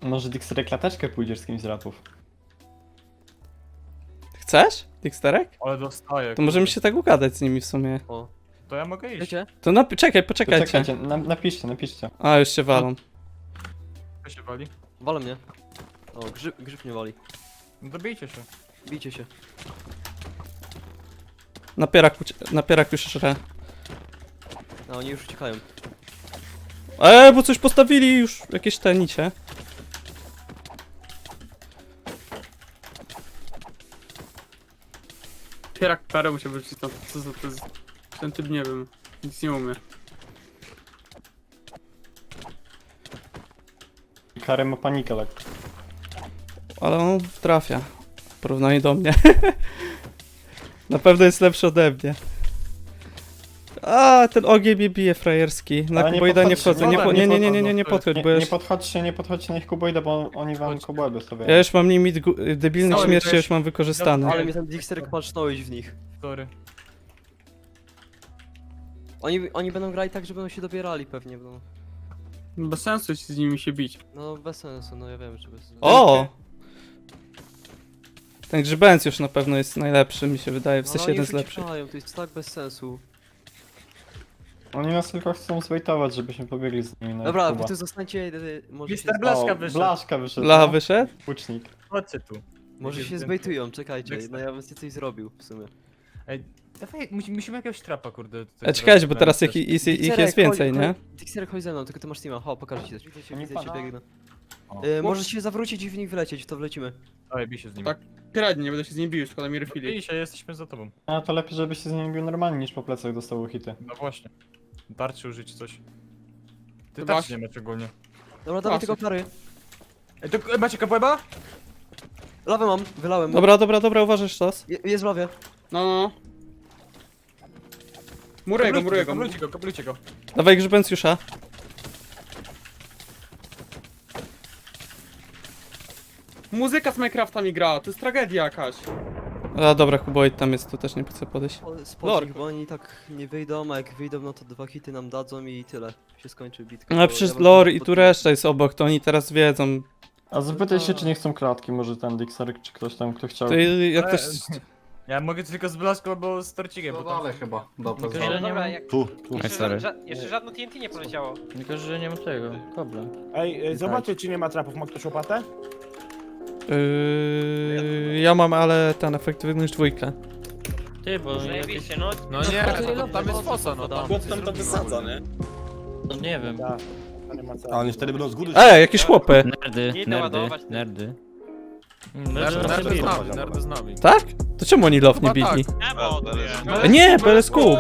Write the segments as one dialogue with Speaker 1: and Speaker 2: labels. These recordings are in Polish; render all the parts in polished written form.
Speaker 1: Może Dixery klateczkę pójdziesz z kimś z rapów.
Speaker 2: Chcesz? Dixterek?
Speaker 3: Ale dostaję.
Speaker 2: To możemy się tak ugadać z nimi w sumie.
Speaker 4: O,
Speaker 3: To ja mogę iść.
Speaker 4: wiecie?
Speaker 2: To czekaj, poczekajcie.
Speaker 1: Czekajcie, napiszcie.
Speaker 2: A, już się walą.
Speaker 3: Kto się wali?
Speaker 4: Walą mnie. O, grzyb mnie wali.
Speaker 3: No dobijcie się.
Speaker 4: Bijcie się.
Speaker 2: Napierak już żre.
Speaker 4: A oni już uciekają.
Speaker 2: Bo coś postawili już, jakieś te nicie.
Speaker 5: Pierak parę musiał być to, co to jest. Ten typ nie wiem. Nic nie umie.
Speaker 1: Karę ma panikę lekko.
Speaker 2: Ale on trafia. W porównaniu do mnie. Na pewno jest lepszy ode mnie. A, ten ogień mnie bije frajerski. Na
Speaker 1: Ale nie
Speaker 2: kuboida nie
Speaker 1: podchodźcie,
Speaker 2: wchodzę. Nie
Speaker 3: nie
Speaker 2: podchodź,
Speaker 1: Nie,
Speaker 2: bo ja
Speaker 1: nie podchodźcie na ich kubojdę, bo oni wam
Speaker 3: Chodźcie.
Speaker 1: kubojdę stawiają.
Speaker 2: ja już mam limit debilnych
Speaker 3: Sorry,
Speaker 2: śmierci,
Speaker 3: to
Speaker 2: już mam wykorzystany.
Speaker 4: Ale mnie ten Dixterek palcznąłeś w nich.
Speaker 3: Sorry.
Speaker 4: Oni będą grali tak, że będą się dobierali pewnie, no.
Speaker 5: Bez sensu jest z nimi się bić.
Speaker 4: No bez sensu, no ja wiem, że bez sensu.
Speaker 2: O! Ten grzybęc już na pewno jest najlepszy, mi się wydaje, w
Speaker 4: No,
Speaker 2: sensie
Speaker 4: oni
Speaker 2: jeden
Speaker 4: już
Speaker 2: z lepszych.
Speaker 4: uciekają, to jest tak bez sensu.
Speaker 1: Oni nas tylko chcą zwejtować, żebyśmy pobiegli z nimi na
Speaker 4: Dobra,
Speaker 1: kuba.
Speaker 4: wy tu zostańcie, może się,
Speaker 3: Mister Blaszka wyszedł.
Speaker 1: Blaszka wyszedł.
Speaker 2: Blacha
Speaker 1: no.
Speaker 2: wyszedł?
Speaker 1: Łucznik.
Speaker 3: Chodźcie tu.
Speaker 4: może się zbejtują, czekajcie, no ja bym coś zrobił w sumie.
Speaker 3: Ej, dawaj, musimy jakiegoś trapa, kurde.
Speaker 2: Czekajcie, bo teraz ich jest więcej, nie?
Speaker 4: Dixterek, chodź ze mną, tylko ty masz teama, ho, pokażę ci coś. Widzę
Speaker 1: Oni
Speaker 4: cię,
Speaker 1: pana-
Speaker 4: biegnę.
Speaker 3: O.
Speaker 4: Możesz się zawrócić i w nich wlecieć, w to wlecimy.
Speaker 3: Dawaj, bij się z nim.
Speaker 5: Tak. Piradnie, nie będę się z nim bił, szkoda mi refili.
Speaker 3: Bij się, jesteśmy za tobą.
Speaker 1: A to lepiej, żeby się z nimi bił normalnie, niż po plecach dostało hity.
Speaker 3: No właśnie. Tarczy użyć coś. Ty
Speaker 5: To
Speaker 3: tarczy
Speaker 5: masz-
Speaker 3: nie masz ogólnie.
Speaker 4: Dobra, dawaj tego kary.
Speaker 3: Ej, to macie kapłeba?
Speaker 4: Lawę mam, wylałem.
Speaker 2: Dobra, uważaj sztos.
Speaker 4: Jest w lawie.
Speaker 5: No. Muruję go.
Speaker 3: Kaplujcie go.
Speaker 2: Dawaj grzybęcjusza.
Speaker 5: Muzyka z Minecrafta mi gra, to jest tragedia jakaś.
Speaker 2: A dobra, kuboid tam jest, tu też nie chcę podejść.
Speaker 4: Spocznij, bo oni tak nie wyjdą, a jak wyjdą, no to 2 hity nam dadzą i tyle. Się skończy bitka.
Speaker 2: No
Speaker 4: bo
Speaker 2: przecież
Speaker 4: ja wam
Speaker 2: lore i tu
Speaker 4: pod-
Speaker 2: reszta jest obok, to oni teraz wiedzą.
Speaker 1: A zapytaj się, czy nie chcą klatki, może ten Dixery, czy ktoś tam, kto chciał.
Speaker 2: To jak ktoś...
Speaker 3: Ja mogę tylko z Blaszką albo z Torcikiem, bo tam...
Speaker 6: chyba. Dobra,
Speaker 7: Tylko, że nie ma...
Speaker 6: Tu.
Speaker 7: Jeszcze żadne TNT nie poleciało.
Speaker 8: Tylko, że nie mam tego, kobla.
Speaker 9: Ej, zobaczcie, czy nie ma trapów. Ma ktoś łopatę?
Speaker 2: Ja mam, ale ten efektywność 2.
Speaker 8: Ty, bo jakiś...
Speaker 7: Zajebiście, no.
Speaker 3: No nie, tam jest fosa, no tam.
Speaker 8: tam to wysadza, nie? No nie wiem.
Speaker 9: Tak. To nie ma co.
Speaker 6: A oni wtedy będą z góry.
Speaker 2: Jakieś chłopy!
Speaker 7: Nie ładować.
Speaker 8: Nerdy
Speaker 3: Nerdy z nami.
Speaker 2: Tak? To czemu oni love nie
Speaker 3: Chyba
Speaker 2: bili?
Speaker 7: Nie, bo
Speaker 2: Nie, BLSQ.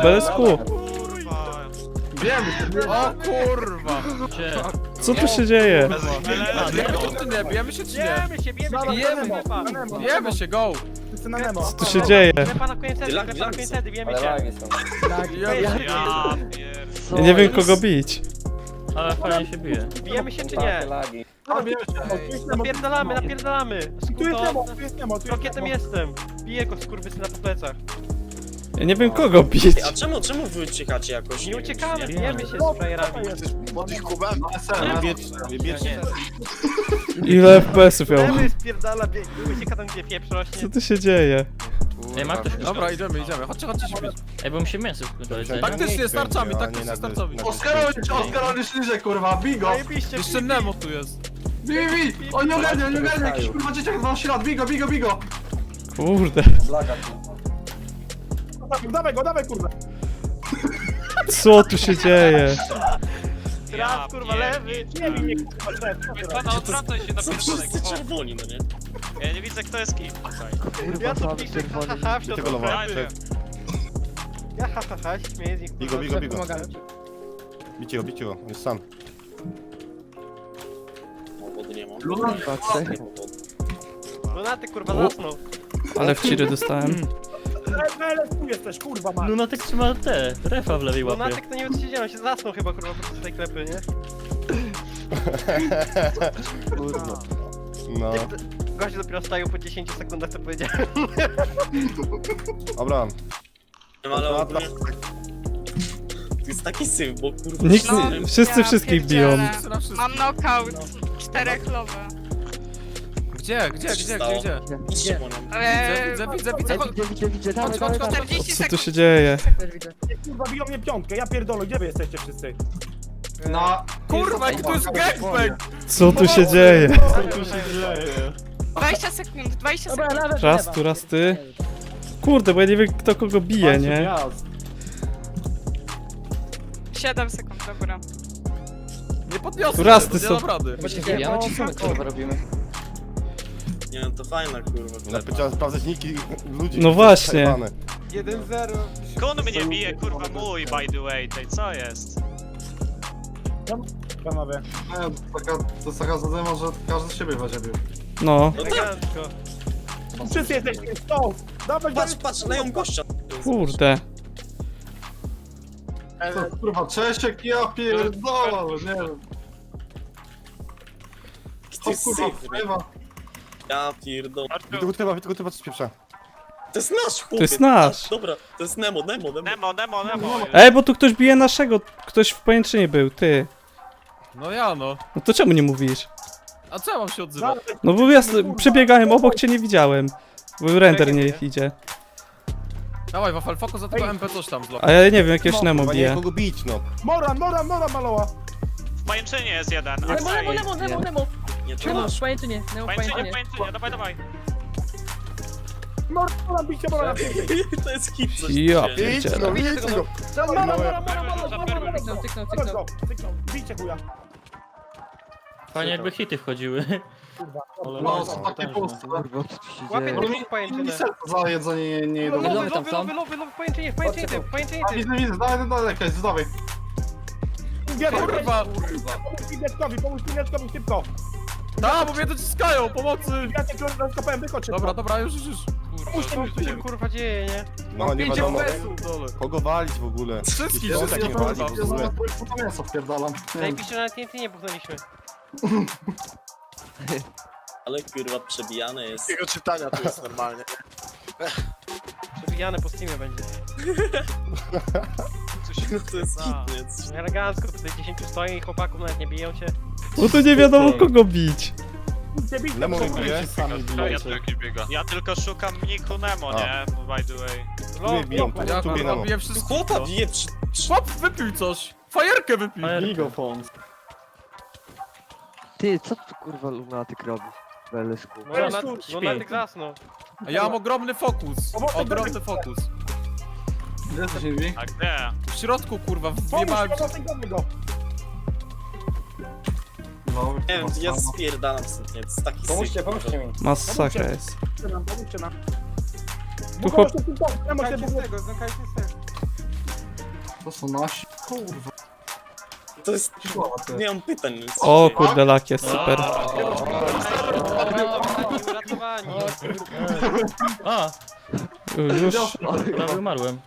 Speaker 3: O kurwa!
Speaker 2: Co tu się dzieje?
Speaker 3: Bijemy się czy nie?
Speaker 7: Bijemy się, bijemy się,
Speaker 3: Bijemy.
Speaker 7: bijemy się.
Speaker 3: Bijemy się, go!
Speaker 9: Wszyscy na Nemo.
Speaker 2: Co tu się dzieje?
Speaker 7: Klepa na koniec wtedy, bijemy się.
Speaker 2: Ja nie wiem kogo bić.
Speaker 8: Ale fajnie się bije.
Speaker 7: Bijemy się czy nie? Napierdalamy.
Speaker 9: Tu jest Nemo, tu jest Nemo, tu jest
Speaker 7: Rokietem
Speaker 9: Nemo.
Speaker 7: jestem. Biję go skurwysyna po plecach.
Speaker 2: Ja nie wiem kogo bić.
Speaker 10: A czemu wy uciekacie jakoś?
Speaker 7: Nie uciekamy, bijemy się z frajerami.
Speaker 6: Pod ich kubem?
Speaker 10: Wiecznie.
Speaker 2: Ile FPS-ów miał?
Speaker 7: Bijemy, spierdala, ucieka tam gdzie pieprz rośnie.
Speaker 2: Co tu się dzieje?
Speaker 8: Ej, ma ktoś
Speaker 3: Dobra, idziemy. Chodźcie się bić.
Speaker 8: Ej, bo mi się mięso do jedzenia.
Speaker 3: Taktycznie, starczami, starczami.
Speaker 6: Oskar, śliżek, kurwa, bigo!
Speaker 7: Zajebiście,
Speaker 3: Jeszcze Nemo tu jest.
Speaker 6: Bij! On nie ogarnia, jakiś kurwa dzieciak 12 lat, bigo!
Speaker 2: Kurde.
Speaker 9: Dawaj, kurwa.
Speaker 2: Co tu się dzieje?
Speaker 7: raz kurwa lewy.
Speaker 9: Nie bij mnie, kurwa,
Speaker 7: Pana odwracaj się na
Speaker 10: Wszyscy czerwoni, no nie?
Speaker 7: Ja nie widzę kto jest kim. Ja tu piszę haha w środku sklepy. Ja haha śmieję z nich.
Speaker 6: Bigo. Bicie go, on jest sam.
Speaker 10: Wody nie mam.
Speaker 7: Lunaty kurwa zasnął.
Speaker 2: Ale w ciry dostałem.
Speaker 9: Tu jesteś, kurwa, ma.
Speaker 8: Lunatek trzyma te, refa w lewej łapie.
Speaker 7: Lunatyk to nie wiem co się dzieje, on się zasnął chyba kurwa podczas tej klepy, nie?
Speaker 6: No.
Speaker 7: Gość dopiero stają po 10 sekundach co powiedziałem.
Speaker 6: Dobra.
Speaker 10: Ale ogólnie... To jest taki syf, bo kurwa...
Speaker 2: Nikt,
Speaker 11: No,
Speaker 2: wszyscy
Speaker 11: ja
Speaker 2: wszystkich biją.
Speaker 11: pierdzielę.
Speaker 3: Wszyscy na wszystko.
Speaker 11: Mam knockout. 4 lowe.
Speaker 3: Gdzie?
Speaker 10: stało? Idźcie po nią.
Speaker 3: Widzę. Chodź,
Speaker 11: 40
Speaker 2: Co tu
Speaker 11: sekund.
Speaker 2: się dzieje?
Speaker 9: Kurwa, biją mnie piątkę, ja pierdolę, gdzie wy jesteście wszyscy?
Speaker 6: Na...
Speaker 3: Kurwa, jaki to jest gangbang!
Speaker 2: Co tu się dzieje?
Speaker 1: Co tu się dzieje?
Speaker 11: 20 sekund, 20 sekund.
Speaker 2: Raz tu, raz ty. Kurde, bo ja nie wiem kto kogo bije,
Speaker 1: Macie
Speaker 2: nie?
Speaker 1: wjazd.
Speaker 11: 7 sekund, dobra.
Speaker 3: Nie podniosę,
Speaker 2: Tu raz
Speaker 3: nie
Speaker 2: ty
Speaker 3: dam
Speaker 2: są-
Speaker 3: rady.
Speaker 10: Nie no, to fajna kurwa.
Speaker 12: Trzeba sprawdzać niki ludzi.
Speaker 2: No właśnie.
Speaker 7: 1-0.
Speaker 3: Kun mnie bije, kurwa mój, by the way, tej co jest?
Speaker 9: Panowie.
Speaker 6: To jest taka zadyma, że każdy z siebie weźmie.
Speaker 2: No.
Speaker 10: No tak,
Speaker 9: Wszyscy jesteście stąd! Dawaj,
Speaker 10: patrz, leją gościa.
Speaker 2: Kurde.
Speaker 6: To, kurwa, Czesiek, ja pierdolę, nie wiem.
Speaker 10: To jest
Speaker 6: kurwa,
Speaker 10: syf,
Speaker 6: wpływa.
Speaker 10: ja pierdolę.
Speaker 12: Tylko trzeba coś pieprza.
Speaker 10: To jest nasz chłopiec.
Speaker 2: To jest nasz.
Speaker 10: Dobra, to jest Nemo.
Speaker 3: Nemo.
Speaker 2: Ej, bo tu ktoś bije naszego. Ktoś w pajęczynie był, ty.
Speaker 3: No ja no.
Speaker 2: No to czemu nie mówisz?
Speaker 3: A co ja mam się odzywać?
Speaker 2: No bo ja przebiegałem obok, cię nie widziałem. Bo render nie idzie.
Speaker 3: Dawaj, Wafel, fokus za tego MP coś tam zlok.
Speaker 2: A ja nie wiem, jakiegoś Nemo
Speaker 12: Chyba nie
Speaker 2: bije.
Speaker 12: kogo bić, no.
Speaker 9: Moran, maloła!
Speaker 3: W pajęczynie jest jeden.
Speaker 11: Nemo.
Speaker 10: Nie, to nasz.
Speaker 11: Pajęczynie,
Speaker 3: Dawaj.
Speaker 9: Moran, bicie, Moran!
Speaker 10: To jest hit, coś
Speaker 2: Ja
Speaker 10: tu się dzieje.
Speaker 12: Idź
Speaker 2: pierdzielę.
Speaker 12: no, idź no.
Speaker 9: Cyknął, bicie chuja.
Speaker 8: Fajnie jakby hity wchodziły.
Speaker 6: No, są takie puste.
Speaker 7: Łapie
Speaker 6: No,
Speaker 7: drugą pajęczynę.
Speaker 6: mi serce za jedzenie nie jedą.
Speaker 7: Lowy, pajęczynie,
Speaker 6: Widzę, dawaj, jakaś, dawaj.
Speaker 3: Kurwa!
Speaker 9: Pomóż Pineczkowi, szybko!
Speaker 3: Da, bo mnie dociskają, pomocy!
Speaker 9: Ja cię rozkopałem, wychodź szybko!
Speaker 3: Dobra, już.
Speaker 7: Co się kurwa dzieje, nie?
Speaker 12: No nie wiadomo
Speaker 3: Dole.
Speaker 12: kogo walić w ogóle.
Speaker 3: Wszystkich,
Speaker 12: Jakiś
Speaker 3: wszystkich,
Speaker 12: nie walić w
Speaker 6: Ja
Speaker 12: ogóle.
Speaker 6: zamiast po mięso wpierdalam. Nie wiem.
Speaker 7: Najpisze, że na TNT nie buchnęliśmy.
Speaker 10: Ale kurwa, przebijane jest.
Speaker 7: Jego czytania to jest normalnie. Przebijane po Steamie będzie.
Speaker 10: To jest hit, nie? Coś-
Speaker 7: Elegancko, tutaj 10 stoi i chłopaków nawet nie biją cię.
Speaker 2: Bo tu nie wiadomo kogo bić.
Speaker 12: Nemo bije.
Speaker 1: Sami bijecie.
Speaker 3: Ja tylko szukam Niku Nemo, nie? By the way.
Speaker 12: Tu mnie biją, tu mnie Nemo.
Speaker 3: Robię wszystko.
Speaker 10: Chłopa bije przy...
Speaker 3: Chłop wypił coś! Fajerkę wypił!
Speaker 1: Gigofons.
Speaker 4: Ty, co tu kurwa lunatyk robi? Belesku.
Speaker 7: Lunatyk zasnął.
Speaker 3: A ja mam ogromny fokus. Ogromny fokus.
Speaker 6: Gdzie jesteś, Inwi?
Speaker 3: A gdzie? W środku, kurwa,
Speaker 9: Pomóż
Speaker 3: wjebałem się.
Speaker 9: go!
Speaker 6: No,
Speaker 10: Nie wiem, ja spierdalam stąd, nie? To jest taki syf.
Speaker 6: pomóżcie mi.
Speaker 2: Masakra jest.
Speaker 9: Pomóżcie nam.
Speaker 2: Tu chłop...
Speaker 6: To są nasi. Kurwa.
Speaker 10: To jest... Nie mam pytań nic.
Speaker 2: O kurde, lak jest super.
Speaker 7: Uratowani.
Speaker 8: A,
Speaker 2: Już.
Speaker 8: prawie umarłem.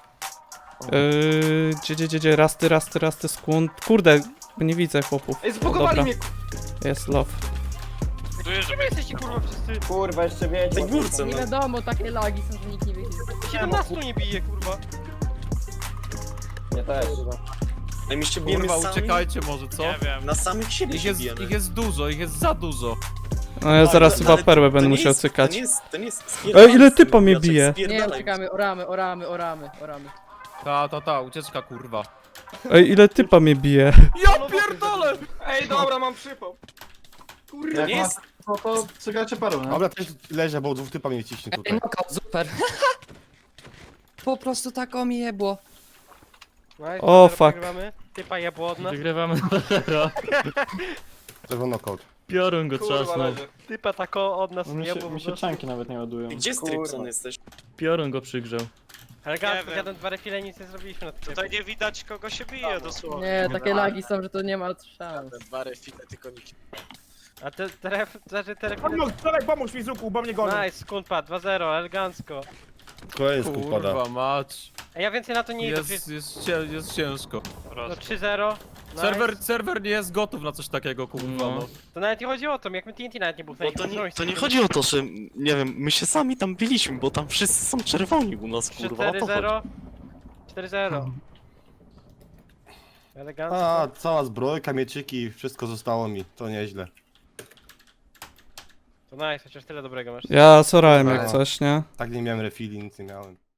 Speaker 2: Gdzie? Rasty, skłon. Kurde, nie widzę chłopów.
Speaker 7: Ej, zbugowali
Speaker 2: Dobra.
Speaker 7: mnie.
Speaker 2: Jest love.
Speaker 7: Gdzie wy jesteście kurwa wszyscy?
Speaker 6: Kurwa, jeszcze wiecie.
Speaker 10: tej górce, no.
Speaker 11: wiadomo, takie lagi są, że nikt nie wie.
Speaker 7: 17 nie bije kurwa.
Speaker 6: Ja też.
Speaker 10: Ej, my się bijemy
Speaker 3: Kurwa,
Speaker 10: sami.
Speaker 3: uciekajcie może, co? Nie wiem.
Speaker 10: Na samych siebie się bijemy.
Speaker 3: Ich jest dużo, ich jest za dużo.
Speaker 2: No ja zaraz
Speaker 10: No,
Speaker 2: chyba
Speaker 10: ale
Speaker 2: perłę
Speaker 10: to
Speaker 2: będę
Speaker 10: nie
Speaker 2: musiał
Speaker 10: jest-
Speaker 2: cykać.
Speaker 10: To nie jest...
Speaker 2: Ej, ile typa mnie bije?
Speaker 11: Oramy.
Speaker 3: Ta, ucieczka, kurwa.
Speaker 2: Ej, ile typa mnie bije?
Speaker 3: Ja pierdolę!
Speaker 7: Ej, dobra, mam przypał.
Speaker 10: To nie jest...
Speaker 6: No to czekajcie perły, nie?
Speaker 12: Dobra, też leżę, bo dwóch typa mnie ciśnie tutaj.
Speaker 11: Super. Po prostu tak o mi jebło.
Speaker 2: O, fuck.
Speaker 7: Typa jebło od nas.
Speaker 8: Wygrywamy 2-0.
Speaker 12: Czerwony knockout.
Speaker 8: Piorun go trzasnął.
Speaker 7: Typa tako od nas
Speaker 1: Mi
Speaker 7: jebło.
Speaker 1: się czanki nawet nie ładują.
Speaker 10: Gdzie Stripson jesteś?
Speaker 8: Piorun go przygrzał.
Speaker 7: Elegancko, zjadłem 2 refile i nic nie zrobiliśmy na tym.
Speaker 3: Tutaj nie widać kogo się bije dosłownie.
Speaker 11: Nie, takie lagi są, że to nie ma szans.
Speaker 7: A te refile...
Speaker 9: Pomóż mi, Zuku, bo mnie goni.
Speaker 7: Nice, skunpa, 2-0, elegancko.
Speaker 12: Kolejny skup pada.
Speaker 3: Kurwa mać.
Speaker 7: A ja więcej na to nie idę.
Speaker 3: Jest ciężko.
Speaker 7: No 3-0. Nice.
Speaker 3: Serwer nie jest gotów na coś takiego, kurwa, no.
Speaker 7: To nawet nie chodzi o to, jak my TNT nawet nie
Speaker 10: Bo
Speaker 7: buchnęli.
Speaker 10: to nie chodzi o to, że... Nie wiem, my się sami tam biliśmy, bo tam wszyscy są czerwoni u nas, kurwa. O to chodzi.
Speaker 7: 4-0. 4-0. Elegancko.
Speaker 12: A, cała zbrojka, mieczyki, wszystko zostało mi. To nieźle.
Speaker 7: To nice, chociaż tyle dobrego masz.
Speaker 2: Ja sorałem jak
Speaker 12: Dobra.
Speaker 2: coś, nie?
Speaker 12: Tak nie miałem refili, nic nie miałem.